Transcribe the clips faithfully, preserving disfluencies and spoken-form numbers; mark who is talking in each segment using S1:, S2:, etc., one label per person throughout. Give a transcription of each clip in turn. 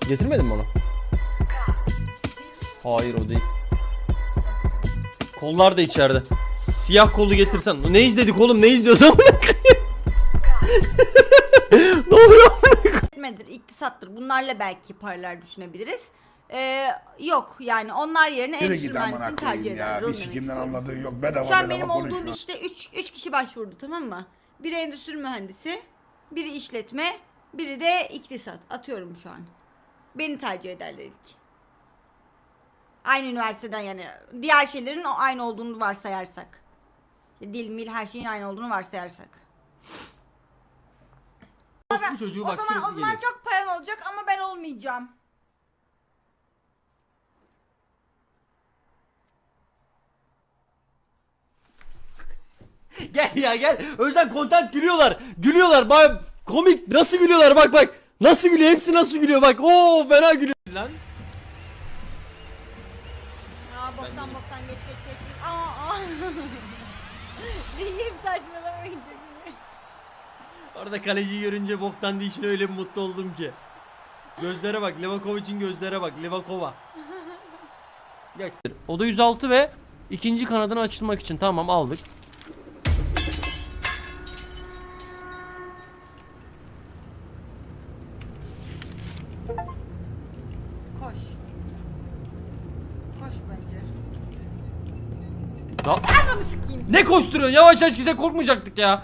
S1: Getirmedin mi onu? Hayır o değil. Kollar da içeride. Siyah kolu getirsen. Ne izledik oğlum? Ne izliyorsan ne oluyor?
S2: Etmedir, iktisattır. Bunlarla belki paralar düşünebiliriz. Ee, yok yani onlar yerine
S3: Yürü
S2: endüstri
S3: git amına
S2: mühendisliğini
S3: koyayım
S2: tercih
S3: ya.
S2: ederler.
S3: Bir
S2: Onu demek
S3: sikimden
S2: istiyorum.
S3: anladığı yok. Bedava
S2: Şu an
S3: bedava
S2: benim
S3: konuşma.
S2: olduğum işte üç kişi başvurdu, tamam mı? Biri endüstri mühendisi, biri işletme, biri de iktisat. Atıyorum şu an. Beni tercih ederler ilk. Aynı üniversiteden yani. Diğer şeylerin o aynı olduğunu varsayarsak. İşte dil, mil, her şeyin aynı olduğunu varsayarsak.
S1: Bu çocuğu bak
S2: o zaman, o
S1: sürekli
S2: zaman
S1: geliyor.
S2: çok paran olacak ama ben olmayacağım.
S1: Gel ya gel. Özden content gülüyorlar. Gülüyorlar. Bak komik. Nasıl gülüyorlar bak bak. Nasıl gülüyor? Hepsi nasıl gülüyor bak. Oo fena gülüyor. Lan.
S2: Aa boktan boktan geç geç geç. Aa aa. Değil saçmalamayın şimdi.
S1: Orada kaleciyi görünce boktan değil, öyle bir mutlu oldum ki. Gözlere bak. Levakovic'in gözlere bak. Levakova. Gel. O da yüz altı ve ikinci kanadını açılmak için tamam aldık.
S2: Koş. Koş bence.
S1: Da
S2: Anamı sikeyim.
S1: ne koşturuyorsun? Yavaş yavaş bize korkmayacaktık ya.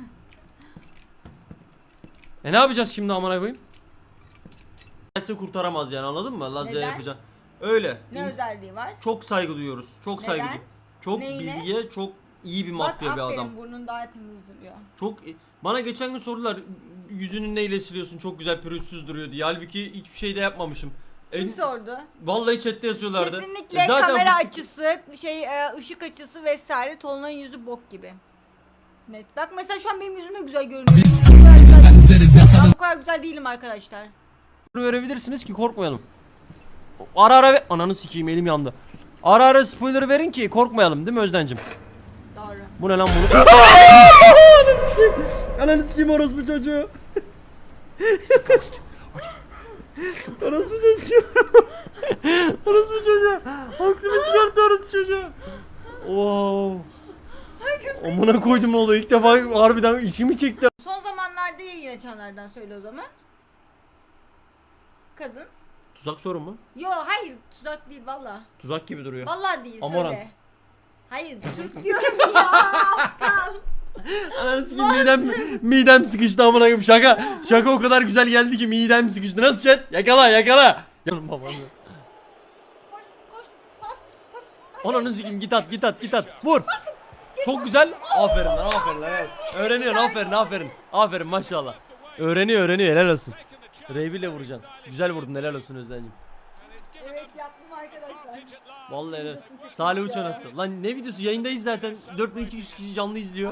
S1: E ne yapacağız şimdi amına koyayım? Size kurtaramaz yani, anladın mı? Lazya
S2: Neden?
S1: yapacağım. Öyle.
S2: Ne
S1: İns-
S2: özelliği var?
S1: Çok saygı duyuyoruz. Çok saygı
S2: Neden?
S1: du- Çok
S2: Neyine?
S1: bilgiye, çok iyi bir mafya
S2: Bak,
S1: bir
S2: aferin,
S1: adam.
S2: burnun daha temiz duruyor.
S1: Çok bana geçen gün sordular, yüzünü neyle siliyorsun, çok güzel pürüzsüz duruyor diye. Halbuki hiçbir şey de yapmamışım.
S2: Kim
S1: En-
S2: sordu?
S1: Vallahi chatte yazıyorlardı.
S2: Kesinlikle
S1: E zaten
S2: kamera
S1: bu-
S2: açısı, şey e, ışık açısı vesaire, Tolunay'ın yüzü bok gibi. Net. Bak mesela şu an benim yüzüm de güzel görünüyor. Ben bu kadar güzel değilim arkadaşlar.
S1: verebilirsiniz ki korkmayalım. Ara ara ve ananı sikeyim, elim yandı. Ara ara spoiler verin ki korkmayalım, değil mi Özdencim?
S2: Doğru.
S1: Bu ne lan bunu? Ananı sikeyim orospu çocuğu. Orospu çocuğu. Orospu çocuğu. Aklımı çıkarttı orospu çocuğu. Wow. Amına koydum oğlu, ilk defa harbiden içimi çekti.
S2: Son zamanlarda yayın açanlardan söyle o zaman. Kadın.
S1: Tuzak soru mu?
S2: Yo hayır, tuzak değil valla.
S1: Tuzak gibi duruyor.
S2: Valla değil,
S1: Amorant.
S2: söyle. Hayır, Türk diyorum ya aptal.
S1: Ananı sikeyim, midem, midem sıkıştı amına koyayım. Şaka. Şaka o kadar güzel geldi ki midem sıkıştı. Nasıl chat? Yakala yakala. Yanım babanı.
S2: Koş koş pas pas.
S1: Ananı sikeyim, git at git at git at. Vur. Çok güzel. Aferin lan, aferin lan. Evet. Öğreniyorsun, aferin aferin. Aferin maşallah. Öğreniyor öğreniyor, helal olsun. Reybiyle vuracaksın. Güzel vurdun, helal olsun Özden'cim.
S2: Evet yaptım arkadaşlar.
S1: Vallahi helal. Salih Uçan attı. Lan ne videosu, yayındayız zaten. dört bin iki yüz kişi canlı izliyor.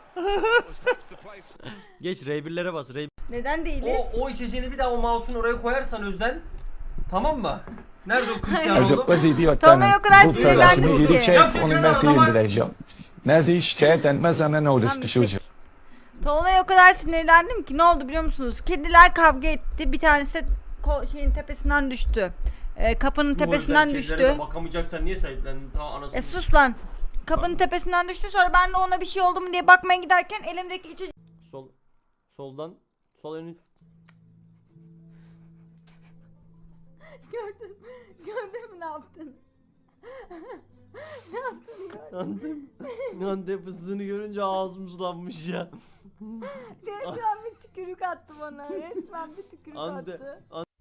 S1: Geç R bir'lere bas. R
S2: Neden değiliz?
S1: O o içeceğini bir daha o mouse'un oraya koyarsan Özden. Tamam mı? Nerede o Cristiano
S4: Recep
S1: Ronaldo?
S4: Gazi diyor
S2: Tolunay
S4: tane.
S2: o kadar
S4: Bu
S2: sinirlendim
S4: kardeşimi
S2: ki.
S4: geri çek,
S1: Ya
S4: onu ben
S1: Fikret
S4: sinirlendireceğim. Nezi şikayet etmez ama ne olur
S2: Tamam,
S4: sıkışılacak.
S2: Tolunay'a o kadar sinirlendim ki ne oldu biliyor musunuz? Kediler kavga etti. Bir tanesi de ko- şeyin tepesinden düştü. Ee, kapının
S1: Bu
S2: tepesinden
S1: Özden,
S2: düştü.
S1: kedilere de bakamayacaksan niye sahiplendin? Ta anasını.
S2: E sus lan. Kapının tepesinden düştü. Sonra ben de ona bir şey oldu mu diye bakmaya giderken elimdeki içecek...
S1: Sol soldan sol önü.
S2: Gördün, gördün mü ne yaptın? ne yaptın gördün?
S1: Antep. Antep fıstığını görünce ağzım sulanmış ya.
S2: Resmen bir tükürük attı bana. Resmen bir tükürük
S1: Ante,
S2: attı.